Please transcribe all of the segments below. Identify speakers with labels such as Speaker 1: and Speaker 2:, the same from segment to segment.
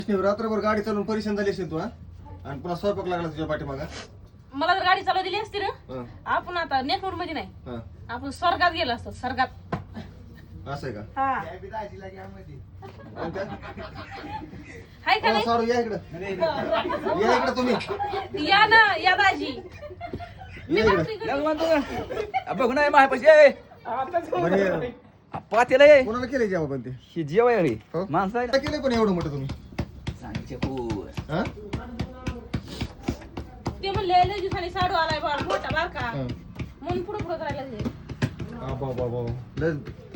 Speaker 1: रात्रभर गाडी चालवून परेशान झाली असेल तू हा आणि पुन्हा स्वयंपाक लागला तुझ्या पाठीमागा.
Speaker 2: मला जर गाडी चालू दिली असती ना
Speaker 1: हं,
Speaker 2: आपण आता नेटवर्क मध्ये नाही
Speaker 1: हं.
Speaker 2: आपण स्वर्गात गेलो असतो स्वर्गात.
Speaker 1: असं आहे का?
Speaker 2: हा
Speaker 1: कोणत्या?
Speaker 2: हाय का नाही?
Speaker 1: साडू या इकडं, या इकडं तुम्ही,
Speaker 2: या ना या दाजी. मी
Speaker 1: या इकडं.
Speaker 2: भाकरी करते.
Speaker 3: बघ नाही माझ्यापाशी
Speaker 1: बरे
Speaker 3: पातेला आहे
Speaker 1: कोणाला केलंय जेव्हा पण ते
Speaker 3: ही जेवाय रे
Speaker 1: हो?
Speaker 3: माणसं आहे
Speaker 1: काय केलंय पण एवढं मोठं तुम्ही
Speaker 3: सांगते हो
Speaker 1: हा?
Speaker 2: ते म्हणले लय दिवसांनी साडू आलाय बाळ मोठा बारका
Speaker 1: हं.
Speaker 2: म्हणून पुढे पुढे करायला लागले.
Speaker 1: बाबा लय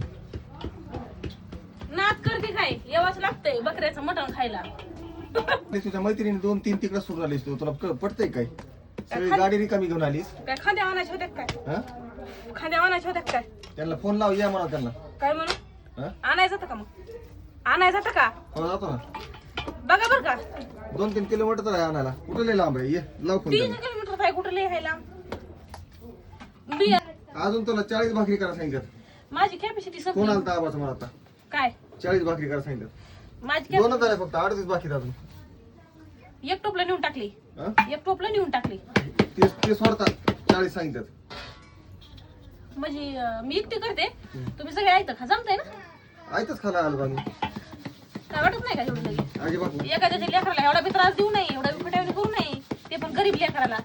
Speaker 2: नाच करते काय येवाच लागतंय बकऱ्याचं मटण खायला.
Speaker 1: तुझ्या मैत्रिणी 2-3 तिकडे सुरू झालीस तू, तुला पटतंय काय? सगळी गाडी रिकामी घेऊन आलीस
Speaker 2: काय खांद्या आणायच्या होत्या काय?
Speaker 1: हा?
Speaker 2: खांद्या आणायच्या होत्या काय?
Speaker 1: त्यांना फोन लाव, या म्हणा त्यांना.
Speaker 2: काय म्हणू
Speaker 1: हा?
Speaker 2: आणायचं होतं का मग? आणायचं होतं का?
Speaker 1: हो जातो ना.
Speaker 2: बघा बर का
Speaker 1: 2-3 किलोमीटर तर आहे आणायला. कुठं लय लांब आहे, ये लाव फोन
Speaker 2: 3
Speaker 1: त्यांना.
Speaker 2: किलोमीटर आहे कुठं लिहायला. बिया
Speaker 1: अजून तुला 40 भाकरी करा सांगितलं.
Speaker 2: माझी कॅपॅसिटी
Speaker 1: फोन
Speaker 2: संपली.
Speaker 1: आलता आबाचा मला आता.
Speaker 2: काय
Speaker 1: 40 भाकरी करा सांगितलं.
Speaker 2: माझी
Speaker 1: दोनच झाल्या फक्त, 38 बाकी आहेत अजून.
Speaker 2: एक टोपला नेऊन टाकली.
Speaker 1: हा?
Speaker 2: एक टोपला नेऊन टाकली.
Speaker 1: ते सोडतात 40 सांगितलं.
Speaker 2: म्हणजे मी एकटी करते तुम्ही सगळे ऐकता खा जमतंय ना.
Speaker 1: ऐकच खाला आलो आम्ही
Speaker 2: काय वाटत नाही का एवढं लगे
Speaker 1: अजिबात नाही.
Speaker 2: एखाद्याच्या लेकराला एवढा बी त्रास देऊ नये एवढा बी फटावणी करू नये ते पण गरीब लेकराला.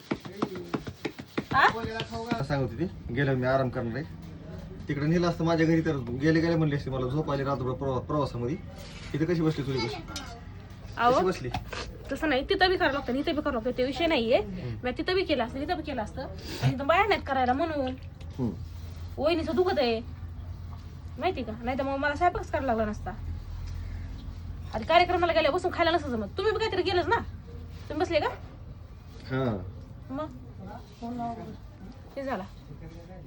Speaker 2: हा
Speaker 1: सांगत होती गेल्यावर मी आराम करणार आहे तिकडे नेलं असतं माझ्या घरी तर गेले म्हणले असते मला झोप आली रात्रभर प्रवासामध्ये. इथे कशी बसली तुझी कशी
Speaker 2: अहो
Speaker 1: बसली?
Speaker 2: तसं नाही तिथं बी करावं लागतं इथं बी करावं लागतं ते विषय नाहीये. मी तिथं बी केलं असतं तिथं बी केलं असतं आणि इथं बाया नाहीत करायला म्हणून
Speaker 1: हम्म.
Speaker 2: वहिनीचं दुखत आहे माहिती का. नाही तर मग मला स्वयंपाकच करायला लागला नसता. आणि कार्यक्रमाला गेल्या बसून खायला नसतं जमत. तुम्ही बी काहीतरी गेलंच ना तुम्ही बसले का
Speaker 1: हा
Speaker 2: मग हे झाला